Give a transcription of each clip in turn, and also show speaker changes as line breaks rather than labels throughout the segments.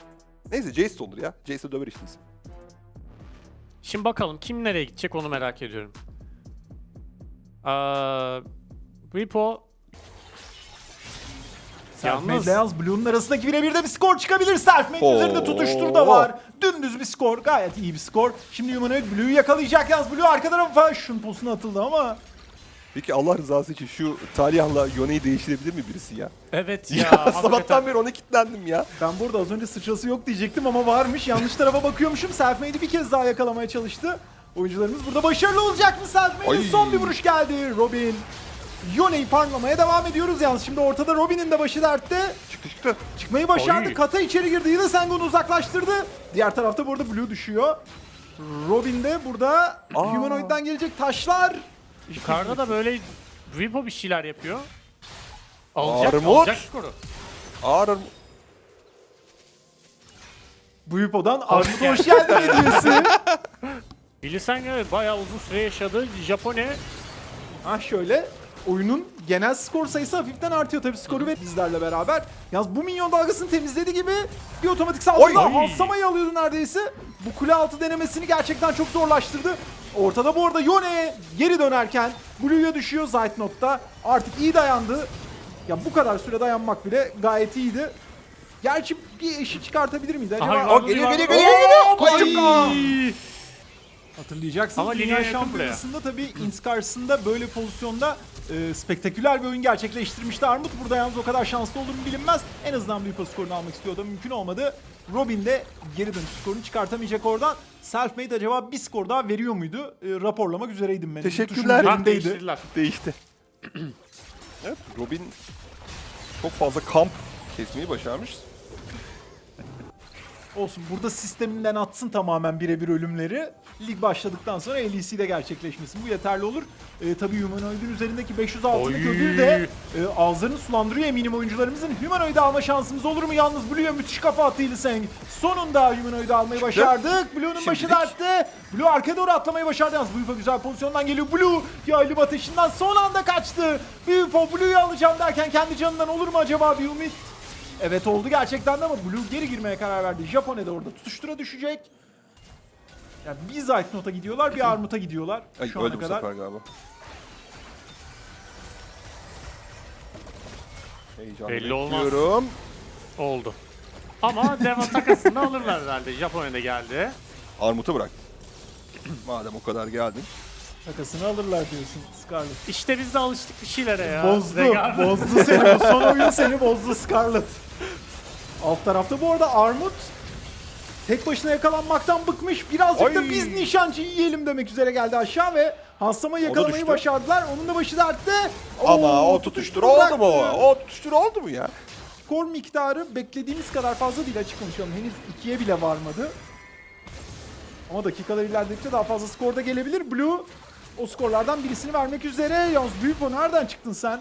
Neyse Jace de olur ya. Jace de döver işte.
Şimdi bakalım kim nereye gidecek onu merak ediyorum. Repo
Selfmade
yalnız
ile yalnız Blue'nun arasındaki birebir de bir skor çıkabilir. Selfmade
Oo.
üzerinde tutuştur da var. Dümdüz bir skor. Gayet iyi bir skor. Şimdi Humanoid Blue'yu yakalayacak yalnız. Blue arka tarafa şun posuna atıldı ama.
Peki Allah rızası için şu Taliha'la Yone'yi değiştirebilir mi birisi ya?
evet
Ya,
ya,
sabahtan beri ona kilitlendim ya.
Ben burada az önce sıçrası yok diyecektim ama varmış. Yanlış tarafa bakıyormuşum. Selfmade'i bir kez daha yakalamaya çalıştı. Oyuncularımız burada başarılı olacak mı? Selfmade'in
Ay.
son bir vuruş geldi. Robin. Yone'yi parlamaya devam ediyoruz yalnız. Şimdi ortada Robin'in de başı dertte.
Çıktı.
Çıkmayı başardı.
Oy.
Kata içeri girdi. Yine Sengon'u uzaklaştırdı. Diğer tarafta burada Blue düşüyor. Robin de burada Humanoid'den gelecek taşlar.
yukarıda da böyle Repo bir şeyler yapıyor. Alacak,
Armut.
alacak skoru.
Ağır.
Bu Yupo'dan Armut'a hoş geldin hediyesi.
Bilirsen evet bayağı uzun süre yaşadı. Japone
Ah şöyle. Oyunun genel skor sayısı hafiften artıyor tabii skoru ve bizlerle beraber. Yalnız bu minyon dalgasını temizlediği gibi bir otomatik saldırıda
Oy.
Hansama'yı alıyordu neredeyse. Bu kule altı denemesini gerçekten çok zorlaştırdı. Ortada bu arada Yone geri dönerken Blue'ya düşüyor Zeitnot'ta. Artık iyi dayandı. Ya bu kadar süre dayanmak bile gayet iyiydi. Gerçi bir eşi çıkartabilir miydi acaba?
Aha,
Geliyor.
Ay!
Hatırlayacaksınız.
Ama
Dünya
lineaya yakın
Şampiyonası'nda tabii Int karşısında böyle pozisyonda spektaküler bir oyun gerçekleştirmişti Armut. Burada yalnız o kadar şanslı olur mu bilinmez. En azından bir Repo skorunu almak istiyordu. Mümkün olmadı. Robin de geri dönüş skorunu çıkartamayacak oradan. Selfmade acaba bir skor daha veriyor muydu? Raporlamak üzereydim ben.
Teşekkürler.
Tuşun
Ha,
üzerindeydi.
değiştirdiler.
Değişti. Evet, Robin çok fazla kamp kesmeyi başarmış.
Olsun burada sisteminden atsın tamamen birebir ölümleri. Lig başladıktan sonra LEC'de gerçekleşmesin. Bu yeterli olur. Tabii Humanoid'in üzerindeki 500 altınlık
Oy.
ödül de ağızlarını sulandırıyor eminim oyuncularımızın. Humanoid'i alma şansımız olur mu? Yalnız Blue'ya müthiş kafa attı Hylissang. Sonunda Humanoid'i almayı başardık. Blue'nun başı
Şimdilik.
dertte. Blue arkaya doğru atlamayı başardı. Yalnız Blue'fa güzel pozisyondan geliyor. Blue yaylım ateşinden son anda kaçtı. Blue'yu alacağım derken kendi canından olur mu acaba bir ümit? Evet oldu gerçekten de ama Blue geri girmeye karar verdi. Japone de orada tutuştura düşecek. Ya bir Zeitnot'a gidiyorlar, bir Armut'a gidiyorlar
Ay,
şu ana
öldü bu
kadar.
sefer galiba. Heyecanla
Belli olmaz.
bekliyorum.
Oldu. Ama Deva takasını alırlar herhalde. Japonya'da geldi.
Armut'a bırak. Madem o kadar geldin.
Takasını alırlar diyorsun Scarlet.
İşte biz de alıştık bir şeylere ya.
Bozdu,
Regal.
bozdu seni. Bu son oyun seni bozdu Scarlet. Alt tarafta bu arada Armut tek başına yakalanmaktan bıkmış. Birazcık da
Ay.
biz nişancıyı yiyelim demek üzere geldi aşağı ve Hansama'yı
O da
yakalamayı
düştü.
başardılar. Onun da başı dertte.
Ama
Oo,
o tutuştur oldu mu?
bıraktı.
O tutuştur oldu mu ya?
Skor miktarı beklediğimiz kadar fazla değil, açık konuşalım. Henüz 2'ye bile varmadı. Ama dakikalar ilerledikçe daha fazla skor da gelebilir. Blue o skorlardan birisini vermek üzere. Yalnız Büyüpo nereden çıktın sen?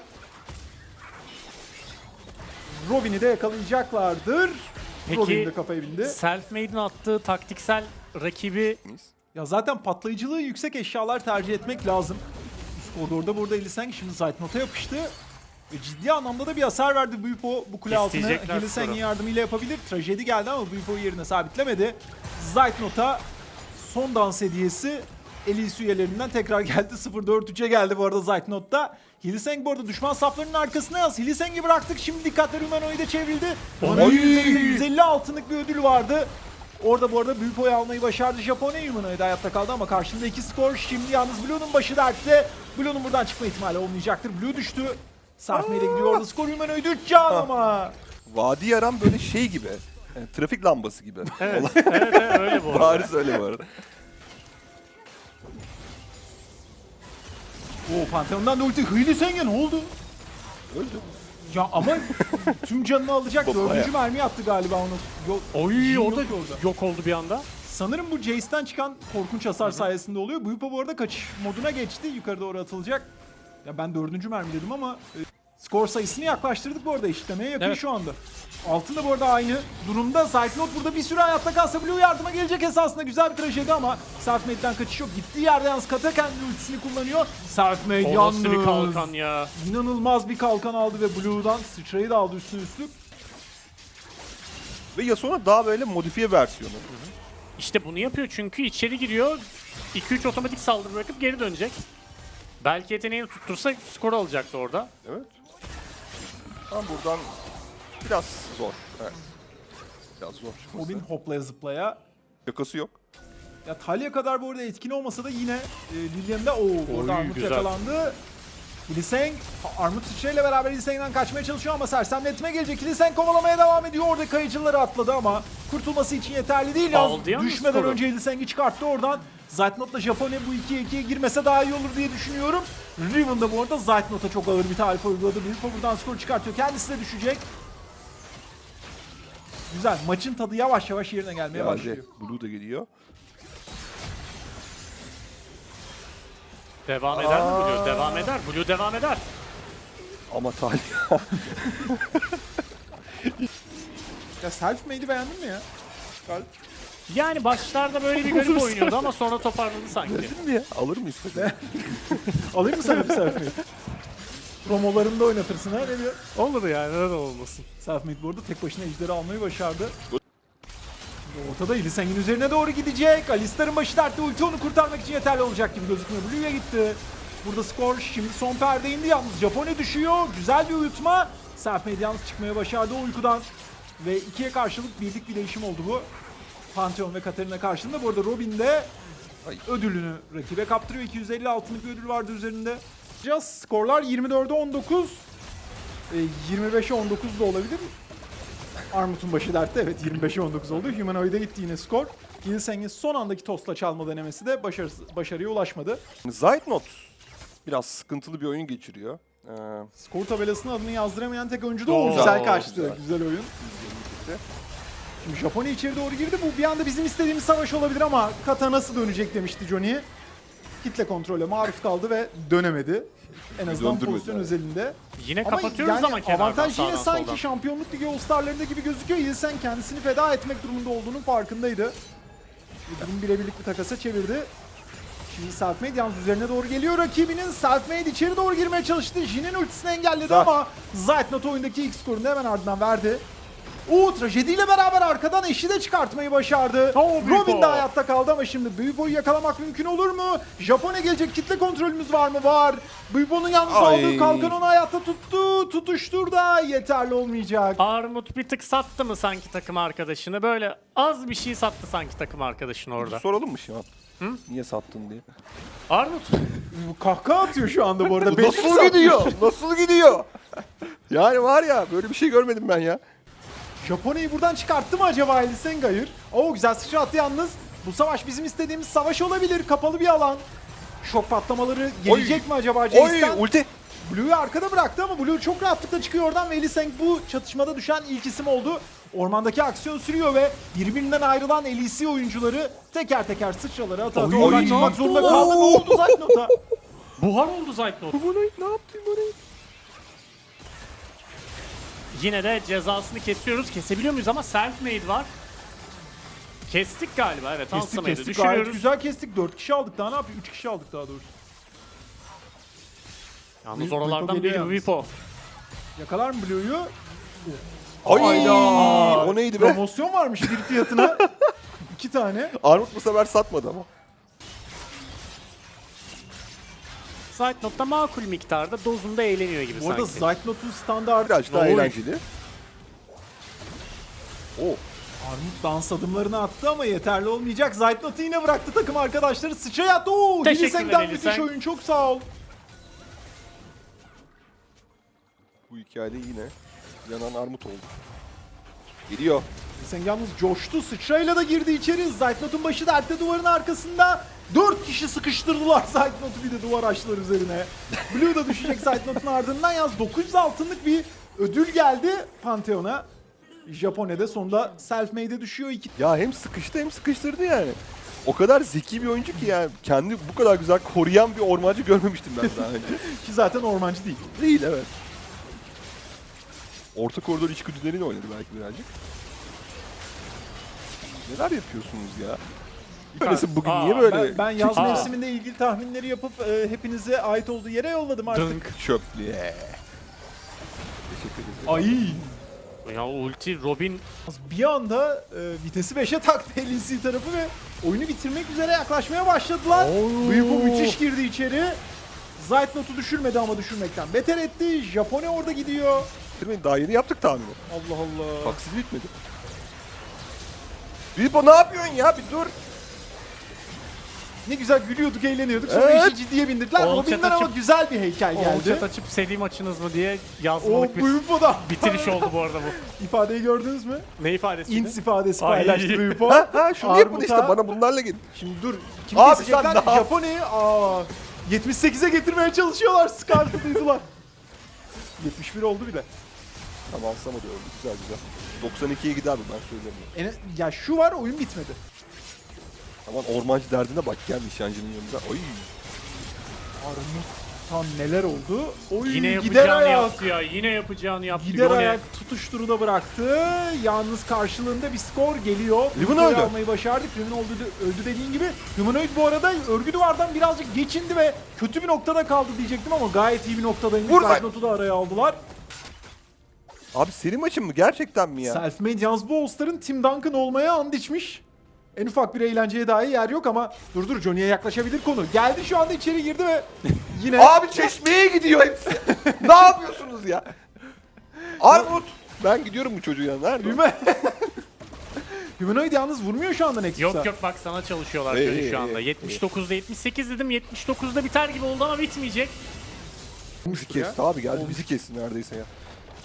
Robin'i de yakalayacaklardır.
Peki,
Robin de kafaya bindi.
Selfmade'in attığı taktiksel rakibi
Ya zaten patlayıcılığı yüksek eşyalar tercih etmek lazım. Üst koridorda burada Hylissang şimdi Zeitnot'a yapıştı. Ve ciddi anlamda da bir hasar verdi Büyüpo bu kule altını.
İsteyecekler
Hylissang'in
skoru.
yardımıyla yapabilir. Trajedi geldi ama Büyüpo'yu yerine sabitlemedi. Zeitnot'a son dans hediyesi LEC üyelerinden tekrar geldi. 0-4-3'e geldi bu arada Zeitnot'ta. Hylissang bu arada düşman saflarının arkasına yaz. Hylissang'i bıraktık. Şimdi dikkatler Humanoid'e çevrildi. Humanoid'in üzerinde 150 altınlık bir ödül vardı. Orada bu arada büyük oy almayı başardı Japonya. Humanoid hayatta kaldı ama karşında 2 skor. Şimdi yalnız Blue'nun başı dertte. Blue'nun buradan çıkma ihtimali olmayacaktır. Blue düştü. Sarfme ile gidiyor orada skor. Humanoid 3 can ama.
Vadi yaran böyle şey gibi. Yani trafik lambası gibi.
evet, evet öyle bu arada.
Bari öyle bu arada.
Oo Pantheon'dan da ulti. Hylissang'e ne oldu?
Öldü.
Ya ama tüm canını alacak.
Baba
Dördüncü
ya.
mermi attı galiba onu. Yok,
Oy
Jin
o
yok
da
orada.
yok oldu bir anda.
Sanırım bu Jace'den çıkan korkunç hasar sayesinde oluyor. Buyupa bu arada kaçış moduna geçti. Yukarı doğru atılacak. Ya ben dördüncü mermi dedim ama skor sayısını yaklaştırdık bu arada, eşitlemeye yakın
Evet.
şu anda. Altın da bu arada aynı durumda. Cyclone burada bir süre hayatta kalsa Blue yardıma gelecek esasında. Güzel bir trajedi ama Selfmade'den kaçış yok. Gittiği yerde yalnız Kata kendi ultisini kullanıyor. Selfmade
O
yalnız.
nasıl bir kalkan ya.
İnanılmaz bir kalkan aldı ve Blue'dan sıçrayı da aldı üstüne üstlük.
Ve Yasuo'nun daha böyle modifiye versiyonu.
İşte bunu yapıyor çünkü içeri giriyor. 2-3 otomatik saldırı bırakıp geri dönecek. Belki yeteneğini tuttursa skor alacaktı orada.
Evet. Ama buradan biraz zor. Evet. Biraz zor çıkması.
Robin hoplaya zıplaya.
Yakası yok.
Ya Talia kadar bu arada etkin olmasa da yine Lilian'da orada Armut
güzel.
yakalandı. Hylissang, Armut sıçrayla beraber Hylissang'den kaçmaya çalışıyor ama sersemletme gelecek. Hylissang kovalamaya devam ediyor. Orada kayıcıları atladı ama kurtulması için yeterli değil.
Aldı yalnız
Düşmeden
skoru.
önce Hylissang'i çıkarttı oradan. Zeitnot'la Japonya bu 2'ye girmese daha iyi olur diye düşünüyorum. Riven de bu arada Zeitnot'a çok ağır bir tarif uyguladı. Bir buradan skor çıkartıyor. Kendisi de düşecek. Güzel. Maçın tadı yavaş yavaş yerine gelmeye başlıyor.
Blue da geliyor.
Devam eder mi Blue? Devam eder. Blue devam eder.
Ama Talia.
Ya self-made'i beğendin mi ya?
Yani başlarda böyle bir garip oynuyordu ama sonra toparladı sanki.
Gördün mü ya? Alır mıyız peki?
Alayım mı sana bir self-made? Promolarında oynatırsın ha ne diyor?
Olur yani neden olmasın.
Self-made bu arada tek başına ejderi almayı başardı. Ortada Hylissang'in üzerine doğru gidecek. Alistar'ın başı dertte, ulti onu kurtarmak için yeterli olacak gibi gözükmüyor. Blue'ya gitti. Burada skor şimdi son perde indi yalnız. Japonya düşüyor. Güzel bir uyutma. Self-made yalnız çıkmaya başardı o uykudan. Ve ikiye karşılık birlik bir değişim oldu bu. Pantheon ve Katarina karşılığında. Bu arada Robin de ödülünü rakibe kaptırıyor. 250 altınlık bir ödül vardı üzerinde. Skorlar 24'e 19. 25'e 19 da olabilir. Armut'un başı dertte. Evet 25'e 19 oldu. Humanoid'e gitti yine skor. Hylissang'in son andaki tosla çalma denemesi de başarıya ulaşmadı.
Zeitnot biraz sıkıntılı bir oyun geçiriyor.
Skor tabelasına adını yazdıramayan tek oyuncu da o.
Doğru.
Güzel kaçtı.
Güzel.
Güzel oyun. Şimdi Japonya içeri doğru girdi. Bu bir anda bizim istediğimiz savaş olabilir ama kata nasıl dönecek demişti Johnny. Kitle kontrole maruz kaldı ve dönemedi. En azından
Döndürmedi
pozisyon
yani.
özelinde.
Yine kapatıyoruz ama kenardan
avantaj yine
sağdan
sanki
soldan.
Şampiyonluk Ligi All-Star'larında gibi gözüküyor. Hylissang kendisini feda etmek durumunda olduğunun farkındaydı. Bu durum birebirlik bir takasa çevirdi. Şimdi Selfmade yalnız üzerine doğru geliyor rakibinin. Selfmade içeri doğru girmeye çalıştı. Jin'in ultisini engelledi
Güzel.
ama Zeitnot oyundaki ilk skorunu hemen ardından verdi. Trajediyle beraber arkadan eşi de çıkartmayı başardı.
Büyük
Robin de
o.
hayatta kaldı ama şimdi Büyübo'yu yakalamak mümkün olur mu? Japonya gelecek, kitle kontrolümüz var mı? Var. Büyübo'nun yalnız
Ay.
aldığı kalkan onu hayatta tuttu. Tutuştur da yeterli olmayacak.
Armut bir tık sattı mı sanki takım arkadaşını? Böyle az bir şey sattı sanki takım arkadaşını orada.
Soralım mı Şivan? Niye sattın diye.
Armut.
Bu kahkaha atıyor şu anda bu arada.
Nasıl gidiyor? Nasıl gidiyor? Yani var ya böyle bir şey görmedim ben ya.
Japonya'yı buradan çıkarttı mı acaba Hylissang? Hayır. Güzel sıçra attı yalnız. Bu savaş bizim istediğimiz savaş olabilir. Kapalı bir alan. Şok patlamaları gelecek mi acaba Jace'den?
Ulti.
Blue'yu arkada bıraktı ama Blue çok rahatlıkla çıkıyor oradan ve Hylissang bu çatışmada düşen ilk isim oldu. Ormandaki aksiyon sürüyor ve birbirinden ayrılan LEC oyuncuları teker teker sıçraları ata ata
Oy.
oradan
Oy.
çıkmak zorunda kaldı. Ne oldu Zeitnot'a?
Buhar oldu Zeitnot.
Ne yaptın orayı?
Yine de cezasını kesiyoruz. Kesebiliyor muyuz ama self-made var. Kestik galiba evet.
Kestik
Hansamayı da
kestik gayet
düşürüyoruz.
güzel kestik. 4 kişi aldık daha ne yapıyor? 3 kişi aldık daha doğrusu.
Yalnız
Vipo
oralardan
geliyor
biri
yalnız.
Vipo.
Yakalar mı Blue'yu?
Ay,
Hayda.
o neydi be?
Promosyon varmış bir fiyatına. 2 tane.
Armut bu sefer satmadı ama.
Zeitnot da makul miktarda dozunda eğleniyor gibi
Bu arada
sanki.
Zeitnot'un standartı
Biraz daha
Oy.
eğlenceli.
Armut dans adımlarını attı ama yeterli olmayacak. Zeitnot'u yine bıraktı takım arkadaşları. Sıçraya attı.
Teşekkürler
Hylissang'den müthiş
Hylissang.
oyun. Çok sağ ol.
Bu hikayede yine yanan Armut oldu. Geliyor.
Hylissang yalnız coştu. Sıçrayla da girdi içeri. Zeitnot'un başı dertte duvarın arkasında. 4 kişi sıkıştırdılar Zeitnot'u bir de duvar açtılar üzerine. Blue da düşecek Zeitnot'un ardından. Yalnız 900 altınlık bir ödül geldi Pantheon'a. Japonya'da sonunda self-made'e düşüyor.
Ya hem sıkıştı hem sıkıştırdı yani. O kadar zeki bir oyuncu ki yani kendi bu kadar güzel koruyan bir ormancı görmemiştim ben daha önce.
Ki zaten ormancı değil.
Değil evet. Orta koridor içgüdüleriyle oynadı belki birazcık. Neler yapıyorsunuz ya? Böylesi bugün niye böyle?
Ben yaz
Aa.
mevsiminde ilgili tahminleri yapıp hepinize ait olduğu yere yolladım artık.
Dınk.
Çöplüğe. Teşekkür ederim.
Ay.
Ya ulti Robin
Bir anda vitesi 5'e taktı LEC tarafı ve oyunu bitirmek üzere yaklaşmaya başladılar. Bwipo müthiş girdi içeri. Zeitnot'u düşürmedi ama düşürmekten beter etti. Japone orada gidiyor.
Daha yeni yaptık tahmini.
Allah Allah.
Haksız bitmedi. Bilbo ne yapıyorsun ya? Bir dur.
Ne güzel gülüyorduk, eğleniyorduk. Sonra
Evet.
işi ciddiye bindirdiler.
All
Robin'den
chat
ama
açıp-
güzel bir heykel geldi.
chat açıp seri maçınız mı diye
O
yazmalık bir
Bwipo'da.
bitiriş oldu bu arada bu.
İfadeyi gördünüz mü?
Ne ifadesiydi?
Ins ifadesi
Ay.
paylaştı Bwipo.
Ha şunu yapın
Armut'a-
işte bana bunlarla git.
Şimdi dur. Kim
Abi
kesecekler?
sen ne yap-
Japone'yi 78'e getirmeye çalışıyorlar. Scarlet'ı duydular. 71 oldu bile.
Tamam alsam hadi öldü. Güzel güzel. 92'ye gider mi ben söyleyeyim.
Ya şu var, oyun bitmedi.
Aman ormancı derdine bak gel nişancının yanında. Oy.
Armut'tan neler oldu? Oy,
Yine
gider
yapacağını
ayak.
yaptı ya. Yine yapacağını yaptı.
Gider
Yone.
ayak tutuşturu da bıraktı. Yalnız karşılığında bir skor geliyor.
Riven
Bwipo'yu
öldü.
almayı başardık. Riven öldü dediğin gibi. Humanoid bu arada örgü duvardan birazcık geçindi ve kötü bir noktada kaldı diyecektim ama gayet iyi bir noktadaymış.
Vur lan.
Zeitnot'u da araya aldılar.
Abi seri maçın mı? Gerçekten mi ya?
Selfmade yalnız bu All-Star'ın Team Duncan olmaya and içmiş. En ufak bir eğlenceye dahi yer yok ama dur Johnny'ye yaklaşabilir konu. Geldi şu anda içeri girdi ve yine
Abi çeşmeye gidiyor hepsi. Ne yapıyorsunuz ya? Armut. Ben gidiyorum bu çocuğun yanına. Nerede? o?
Humanoid yalnız vurmuyor şu anda Nexus'a.
Yok bak sana çalışıyorlar
İyi,
Johnny
iyi,
şu anda.
iyi.
79'da 78 dedim. 79'da biter gibi oldu ama bitmeyecek.
Bizi kesti abi geldi bizi kesti neredeyse ya.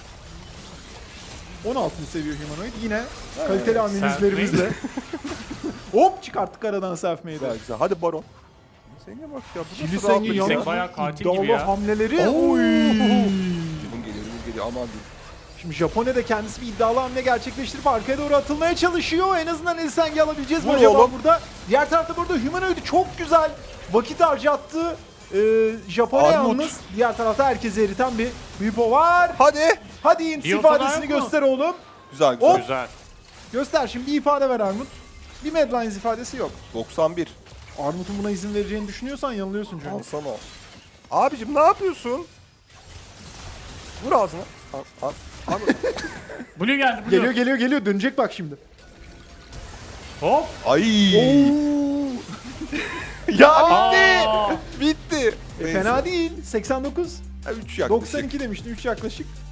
16'ını seviyor Humanoid. Yine kaliteli analizlerimizle. Hop çıkarttık aradan Selfmade'i.
Güzel güzel. Hadi Baron. Senge bak ya. Bu nasıl
Kiliseng'in
rahatlık
Kiliseng
yalnız
bayağı katil
iddialı
gibi ya.
hamleleri.
Oo.
Oy.
Limon geliyor aman diyeyim.
Şimdi Japone de kendisi bir iddialı hamle gerçekleştirip arkaya doğru atılmaya çalışıyor. En azından Kiliseng'i alabileceğiz mi
Vur
acaba
oğlum.
burada? Diğer tarafta burada Humanoid'i çok güzel vakit harcattı. Japone
Armut.
yalnız. Diğer tarafta herkesi eriten bir Bwipo var.
Hadi.
Hadi int
İyi ortada
ifadesini
yok mu?
göster oğlum.
Güzel güzel.
Hop.
Güzel.
Göster şimdi bir ifade ver Armut. Bir Madlines ifadesi yok.
91.
Armut'un buna izin vereceğini düşünüyorsan yanılıyorsun Johnny.
Alsana. Abicim ne yapıyorsun? Vur ağzına. Al.
Blue geldi Blue.
Geliyor dönecek bak şimdi.
Hop.
Ay. Ya
Aa.
bitti. Bitti.
Fena değil. 89.
3 yaklaşık.
92 demiştin 3 yaklaşık.